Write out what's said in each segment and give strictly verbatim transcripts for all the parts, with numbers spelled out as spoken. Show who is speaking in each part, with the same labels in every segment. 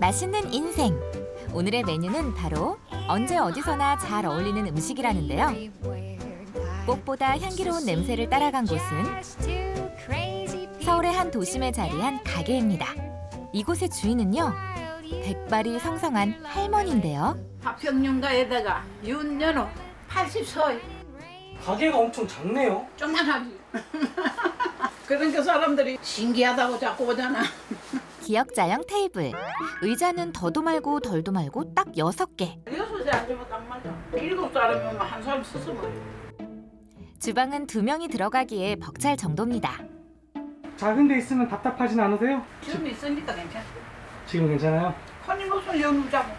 Speaker 1: 맛있는 인생. 오늘의 메뉴는 바로 언제 어디서나 잘 어울리는 음식이라는데요. 꽃보다 향기로운 냄새를 따라간 곳은 서울의 한 도심에 자리한 가게입니다. 이곳의 주인은요, 백발이 성성한 할머니인데요.
Speaker 2: 화평윤가에다가 윤연호 팔십 세.
Speaker 3: 가게가 엄청 작네요.
Speaker 2: 조만하지. 그러니까 사람들이 신기하다고 자꾸 오잖아.
Speaker 1: 기역자형 테이블. 의자는 더도 말고 덜도 말고 딱 여섯 개.
Speaker 2: 여섯에 앉으면 딱 맞아. 일곱 사람이면 한 사람 스스로.
Speaker 1: 주방은 두 명이 들어가기에 벅찰 정도입니다.
Speaker 3: 작은 데 있으면 답답하진 않으세요?
Speaker 2: 지금 있으니까 괜찮아.
Speaker 3: 지금 괜찮아요?
Speaker 2: 손님 없으면 여기 자고.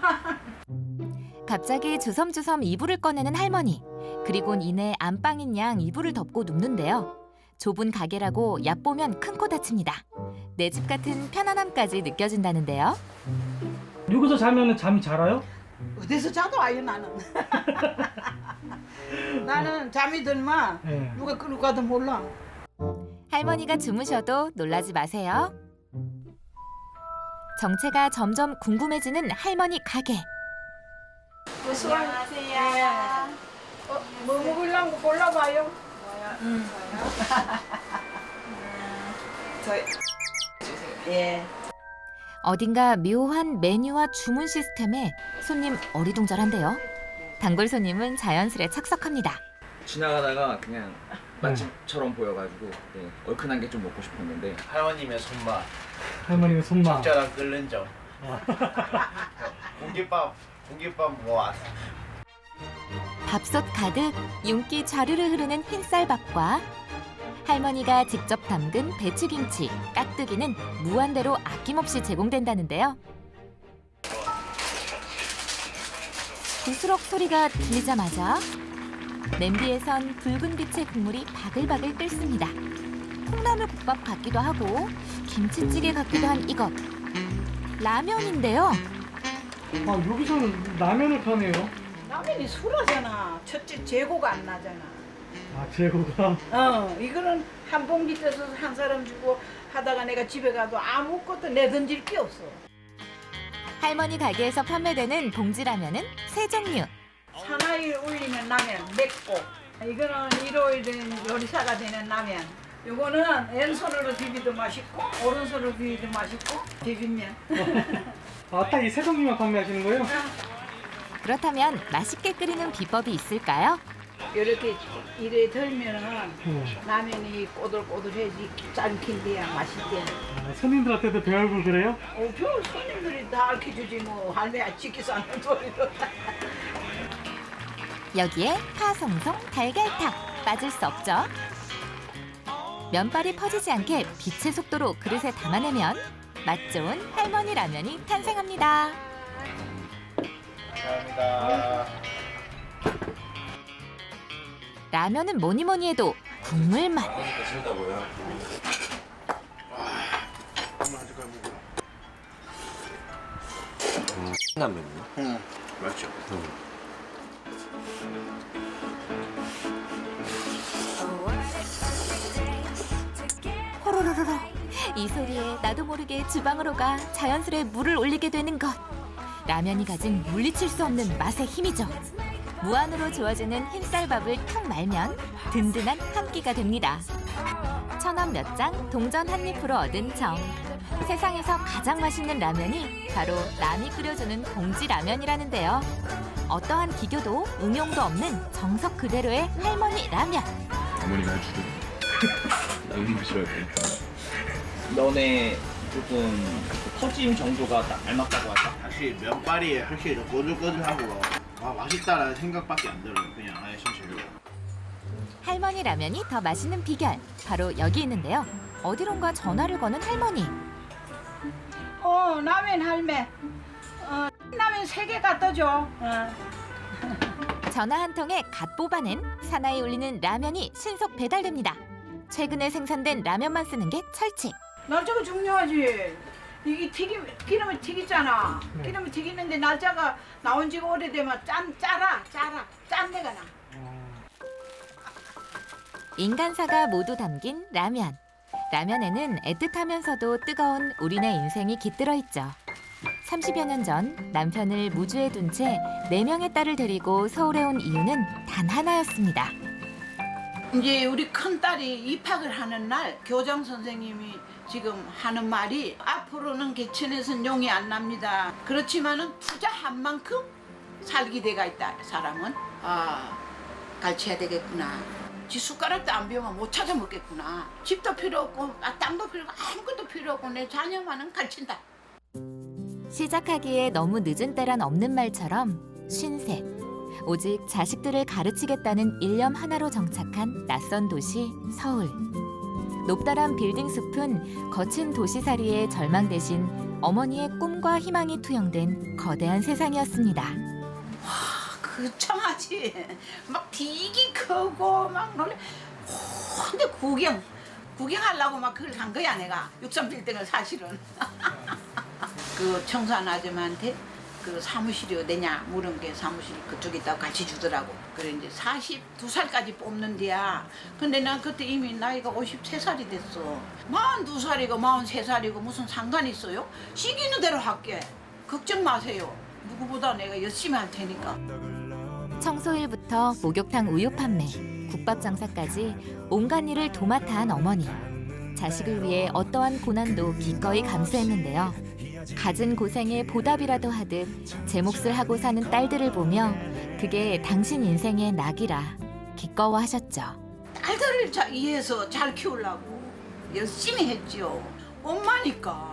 Speaker 1: 갑자기 주섬주섬 이불을 꺼내는 할머니. 그리곤 이내 안방인 양 이불을 덮고 눕는데요. 좁은 가게라고 얕보면 큰 코 다칩니다. 내 집 같은 편안함까지 느껴진다는데요.
Speaker 3: 여기서 자면 잠이 잘 와요?
Speaker 2: 어디서 자도 와요 나는. 나는 잠이 들면
Speaker 3: 네.
Speaker 2: 누가 끌고 가도 몰라.
Speaker 1: 할머니가 주무셔도 놀라지 마세요. 정체가 점점 궁금해지는 할머니 가게.
Speaker 2: 안녕하세요. 어, 뭐 먹으려고 골라봐요.
Speaker 4: 음. 저희 예.
Speaker 1: 어딘가 묘한 메뉴와 주문 시스템에 손님 어리둥절한데요. 단골 손님은 자연스레 착석합니다.
Speaker 5: 지나가다가 그냥 맛집처럼 보여가지고 네, 얼큰한 게 좀 먹고 싶었는데
Speaker 6: 할머님의 손맛,
Speaker 3: 할머니가 손맛.
Speaker 6: 적절한 끓는 점. 공깃밥, 공깃밥 뭐
Speaker 1: 밥솥 가득 윤기 좌르르 흐르는 흰쌀밥과 할머니가 직접 담근 배추김치, 깍두기는 무한대로 아낌없이 제공된다는데요. 부스럭 소리가 들리자마자 냄비에선 붉은 빛의 국물이 바글바글 끓습니다. 콩나물 국밥 같기도 하고 김치찌개 같기도 한 이것. 라면인데요.
Speaker 3: 아, 여기서는 라면을 파네요.
Speaker 2: 라면이 술하잖아. 첫째 재고가 안 나잖아.
Speaker 3: 아, 재고가.
Speaker 2: 어, 이거는 한 봉지 떼서 한 사람 주고 하다가 내가 집에 가도 아무것도 내던질 게 없어.
Speaker 1: 할머니 가게에서 판매되는 봉지라면은 세 종류.
Speaker 2: 사나이를 올리면 라면 맵고, 이거는 일요일은 요리사가 되는 라면. 요거는 왼손으로 비비도 맛있고 오른손으로 비비도 맛있고 비빔면.
Speaker 3: 아, 딱 이 세 종류만 판매하시는 거예요?
Speaker 1: 그렇다면 맛있게 끓이는 비법이 있을까요?
Speaker 2: 이렇게 이래 덜면은
Speaker 3: 음.
Speaker 2: 라면이 꼬들꼬들해지 짠킨데야 맛있대.
Speaker 3: 아, 손님들한테도 배얼고 그래요?
Speaker 2: 어, 별 손님들이 다 알려주지 뭐 할매 치키서 하는 소리도.
Speaker 1: 여기에 파송송 달걀탕 빠질 수 없죠. 면발이 퍼지지 않게 빛의 속도로 그릇에 담아내면 맛 좋은 할머니 라면이 탄생합니다.
Speaker 6: 감사합니다.
Speaker 1: 라면은 뭐니 뭐니 해도 국물 맛.
Speaker 7: 라면이요?
Speaker 6: 응, 맞죠.
Speaker 1: 호로로로로. 이 소리에 나도 모르게 주방으로 가 자연스레 물을 올리게 되는 것. 라면이 가진 물리칠 수 없는 맛의 힘이죠. 무한으로 좋아지는 흰쌀밥을 툭 말면 든든한 한 끼가 됩니다. 천원 몇 장 동전 한 입으로 얻은 정. 세상에서 가장 맛있는 라면이 바로 남이 끓여주는 봉지 라면이라는데요. 어떠한 기교도 응용도 없는 정석 그대로의 할머니 라면.
Speaker 5: 어머니가 해주든 나는 드셔야 돼. 면에 조금 퍼짐 정도가 딱 알맞다고 하죠.
Speaker 6: 확실히 면발이 확실히 더 꼬들꼬들하고 아 맛있다라는 생각밖에 안 들어요. 그냥 아예 손질로.
Speaker 1: 할머니 라면이 더 맛있는 비결 바로 여기 있는데요. 어디론가 전화를 거는 할머니.
Speaker 2: 어, 라면 할매. 어, 라면 세 개 갖다 줘. 어.
Speaker 1: 전화 한 통에 갓 뽑아낸 사나이 울리는 라면이 신속 배달됩니다. 최근에 생산된 라면만 쓰는 게 철칙.
Speaker 2: 날짜가 중요하지. 이게 튀김 기름을 튀기잖아.
Speaker 3: 네.
Speaker 2: 기름을 튀기는데 날짜가 나온 지가 오래되면 짠 짜라 짜라 짠내가 나.
Speaker 1: 인간사가 모두 담긴 라면. 라면에는 애틋하면서도 뜨거운 우리네 인생이 깃들어 있죠. 삼십여 년 전 남편을 무주에 둔 채 네 명의 딸을 데리고 서울에 온 이유는 단 하나였습니다.
Speaker 2: 이제 우리 큰 딸이 입학을 하는 날 교장 선생님이 지금 하는 말이 앞으로는 개천에선 용이 안 납니다. 그렇지만은 투자한 만큼 살기 대가 있다. 사람은 아 가르쳐야 되겠구나. 지 숟가락도 안 배우면 못 찾아 먹겠구나. 집도 필요 없고 아, 땅도 필요 없고 아무것도 필요 없고 내 자녀만은 가르친다.
Speaker 1: 시작하기에 너무 늦은 때란 없는 말처럼 쉰셋. 오직 자식들을 가르치겠다는 일념 하나로 정착한 낯선 도시 서울. 높다란 빌딩 숲은 거친 도시살이의 절망 대신 어머니의 꿈과 희망이 투영된 거대한 세상이었습니다.
Speaker 2: 그 청아지 막 되게 크고 막 놀래. 오, 근데 구경 구경하려고 막 그걸 간 거야 내가 육삼 빌딩을 사실은. 그 청소한 아줌마한테 그 사무실이 어디냐 물은 게 사무실 그쪽에 있다고 같이 주더라고. 그래 이제 사십두 살까지 뽑는데야. 근데 난 그때 이미 나이가 오십세 살이 됐어. 마흔두 살이고 마흔세 살이고 무슨 상관이 있어요? 시키는 대로 할게. 걱정 마세요. 누구보다 내가 열심히 할 테니까.
Speaker 1: 청소일부터 목욕탕 우유 판매, 국밥 장사까지 온갖 일을 도맡아 한 어머니. 자식을 위해 어떠한 고난도 기꺼이 감수했는데요. 갖은 고생에 보답이라도 하듯 제 몫을 하고 사는 딸들을 보며 그게 당신 인생의 낙이라 기꺼워하셨죠.
Speaker 2: 딸들을 자, 위해서 잘 키우려고 열심히 했지요. 엄마니까.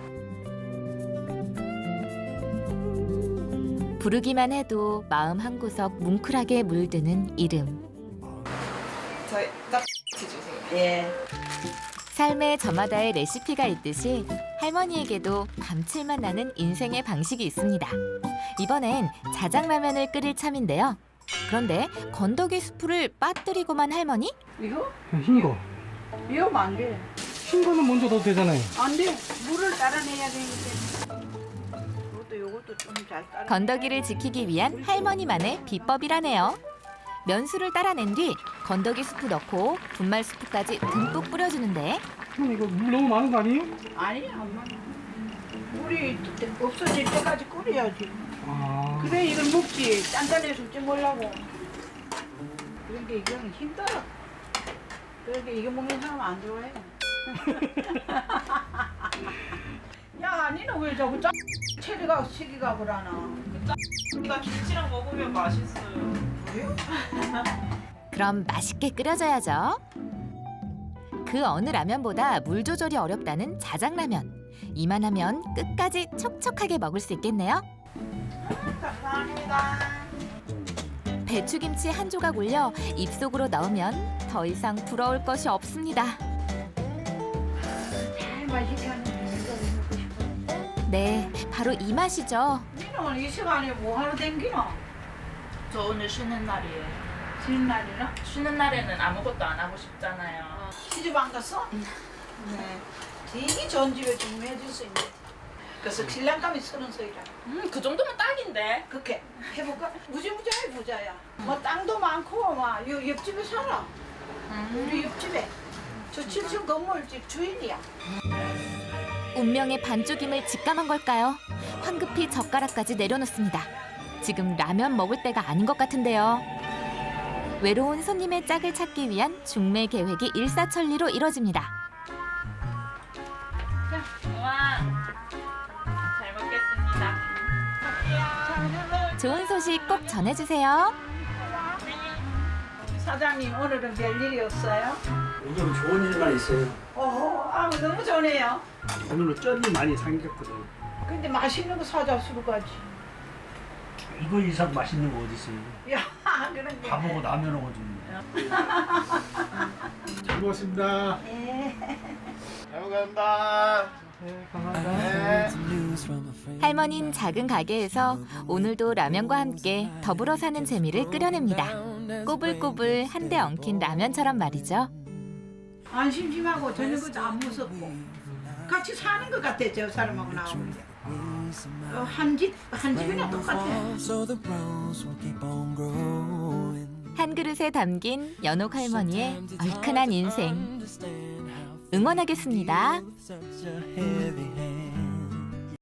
Speaker 1: 부르기만 해도 마음 한구석 뭉클하게 물드는 이름.
Speaker 4: 저희 딱 주세요.
Speaker 2: 예.
Speaker 1: 삶의 저마다의 레시피가 있듯이 할머니에게도 감칠맛 나는 인생의 방식이 있습니다. 이번엔 자장라면을 끓일 참인데요. 그런데 건더기 수프를 빠뜨리고만 할머니?
Speaker 2: 이거?
Speaker 3: 흰 거.
Speaker 2: 이거 안 돼.
Speaker 3: 흰 거는 먼저 넣어도 되잖아요.
Speaker 2: 안 돼. 물을 따라내야 되니까. 이것도 이것도 좀 잘 따라.
Speaker 1: 건더기를 지키기 위한 할머니만의 비법이라네요. 면수를 따라낸 뒤 건더기 수프 넣고 분말 수프까지 듬뿍 뿌려주는데
Speaker 3: 형 이거 물 너무 많은 거 아니에요?
Speaker 2: 아니 엄마. 물이 없어질 때까지 끓여야지.
Speaker 3: 아.
Speaker 2: 그래 이걸 먹지. 짠짠해서 좀 먹으려고. 그러니까 이거는 힘들어. 그러니까 이거 먹는 사람 안 좋아해. 야, 니는 왜 자꾸 짜 체리가 시기가 그러나?
Speaker 4: 나 김치랑 먹으면 맛있어요.
Speaker 2: 그래요?
Speaker 1: 그럼 맛있게 끓여줘야죠. 그 어느 라면보다 물 조절이 어렵다는 자장라면. 이만하면 끝까지 촉촉하게 먹을 수 있겠네요.
Speaker 2: 감사합니다.
Speaker 1: 배추김치 한 조각 올려 입속으로 넣으면 더 이상 부러울 것이 없습니다.
Speaker 2: 잘 맛있게 하는 이거 먹고 싶어.
Speaker 1: 네, 바로 이 맛이죠.
Speaker 2: 니는 이 시간에 뭐 하러 댕기노?
Speaker 8: 저 오늘 쉬는 날이에요.
Speaker 2: 쉬는 날이나?
Speaker 8: 쉬는 날에는 아무것도 안 하고 싶잖아요.
Speaker 2: 시집 안 갔어? 네. 되게 좋은 집에 주문해줄 수 있는. 그래서 신랑감이 서른 살이라.
Speaker 8: 음, 그 정도면 딱인데.
Speaker 2: 그렇게 해볼까? 무지무지하게 부자야. 뭐 땅도 많고 막 요 옆집에 살아. 우리 옆집에. 저 칠 층 건물집 주인이야.
Speaker 1: 운명의 반쪽임을 직감한 걸까요? 황급히 젓가락까지 내려놓습니다. 지금 라면 먹을 때가 아닌 것 같은데요. 외로운 손님의 짝을 찾기 위한 중매 계획이 일사천리로 이뤄집니다.
Speaker 8: 우와, 잘 먹겠습니다.
Speaker 1: 좋은 소식 꼭 전해주세요.
Speaker 2: 사장님 오늘은 별일이 없어요?
Speaker 9: 요즘 좋은 일만 있어요.
Speaker 2: 어허, 아 너무 좋네요.
Speaker 9: 오늘은 쩐이 많이 생겼거든.
Speaker 2: 근데 맛있는 거 사자 수루까지.
Speaker 9: 이거 이상 맛있는 거 어디 있어요?
Speaker 2: 야, 그런 게.
Speaker 9: 밥하고 라면하고 좀. 잘 먹었습니다.
Speaker 2: 예.
Speaker 6: 잘 먹겠습니다.
Speaker 3: 네, 감사합니다.
Speaker 6: 네.
Speaker 1: 할머니는 작은 가게에서 오늘도 라면과 함께 더불어 사는 재미를 끌어냅니다. 꼬불꼬불 한데 엉킨 라면처럼 말이죠.
Speaker 2: 안 심심하고 저녁 것도 안 무섭고 같이 사는 것 같아 저 사람하고 나오는 게. 어, 한 집, 한 집이나 똑같아.
Speaker 1: 한 그릇에 담긴 연옥 할머니의 얼큰한 인생. 응원하겠습니다.
Speaker 10: such a heavy